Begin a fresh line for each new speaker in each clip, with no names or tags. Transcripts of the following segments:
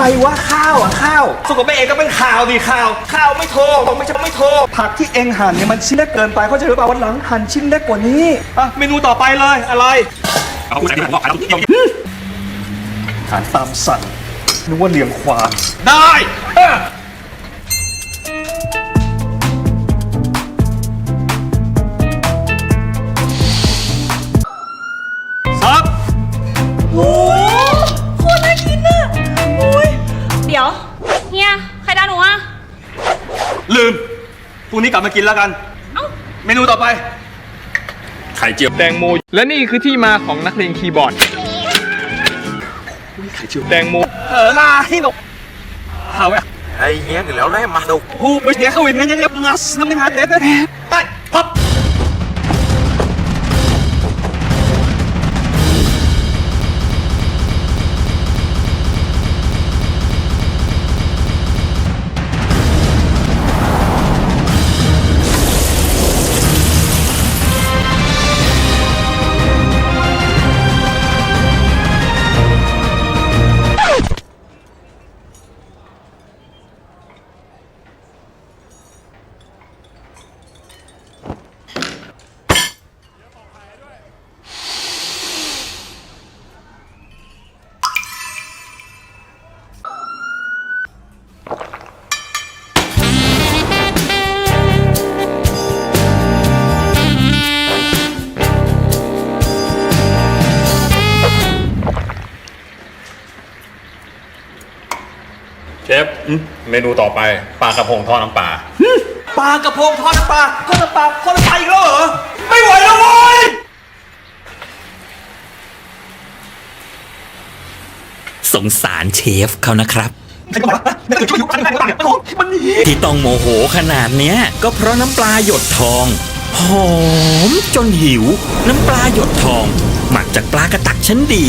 รวะข้าวอ่ะข้าวสุกกับแม่เองก็เป็นข่าวดิข่าวไม่โทรบอกไม่โทรผักที่เองหั่นเนี่ยมันชิ้นเล็กเกินไปเขาใจหรือเปล่าวันหลังหั่นชิ้นเล็กกว่านี้อ่ะเมนูต่อไปเลยอะไรเอาคุณใส่ที่ผมบอกเอาที่อาหารตามสั่งนึกว่าเลี้ยงควายได้ซับ
โอ้โคตรน่ากินอ่ะโอ้ยเดี๋ยวเฮียใครด่าหนูอ่ะ
ลืมพรุ่งนี้กลับมากินแล้วกันเมนูต่อไปไข่เจียวแตงโม
และนี่คือที่มาของนักเลงคีย์บอร์ด
ไข่เจียว
แตงโม
ลาให้หนกเอาไว้
ไอ้เงี้ยกันแล้วได้มาดู
หูไปเสียเขาเองงั้นงัสน้ำมันหาเด็ดไปพับ
เชฟเมนูต่อไปปลากระพงทอดน้ำปลา
ปลากระพงทอดน้ำปลาทอดน้ำปลาทอดน้ำปลาอีกแล้วเหรอไม่ไหวแล้วเว้ย
สงสารเชฟเขานะครับ
มัน
ที่ต้องโมโหขนาดเนี้ยก็เพราะน้ำปลาหยดทองหอมจนหิวน้ำปลาหยดทองหมักจากปลากระตักชั้นดี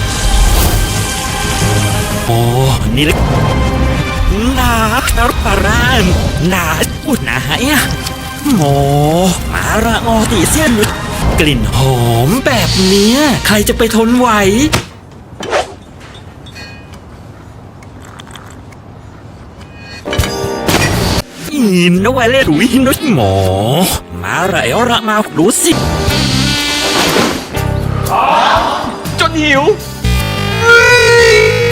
โอ้นี่เลยนาปลาร่านนาอุดนาเนี่ยโอ้มาระออตีเสี้ยนกลิ่นหอมแบบเนี้ยใครจะไปทนไหวอินเอาไว้เลยถุยนุชหมอมาระเอาระมารู้สิ
จนหิว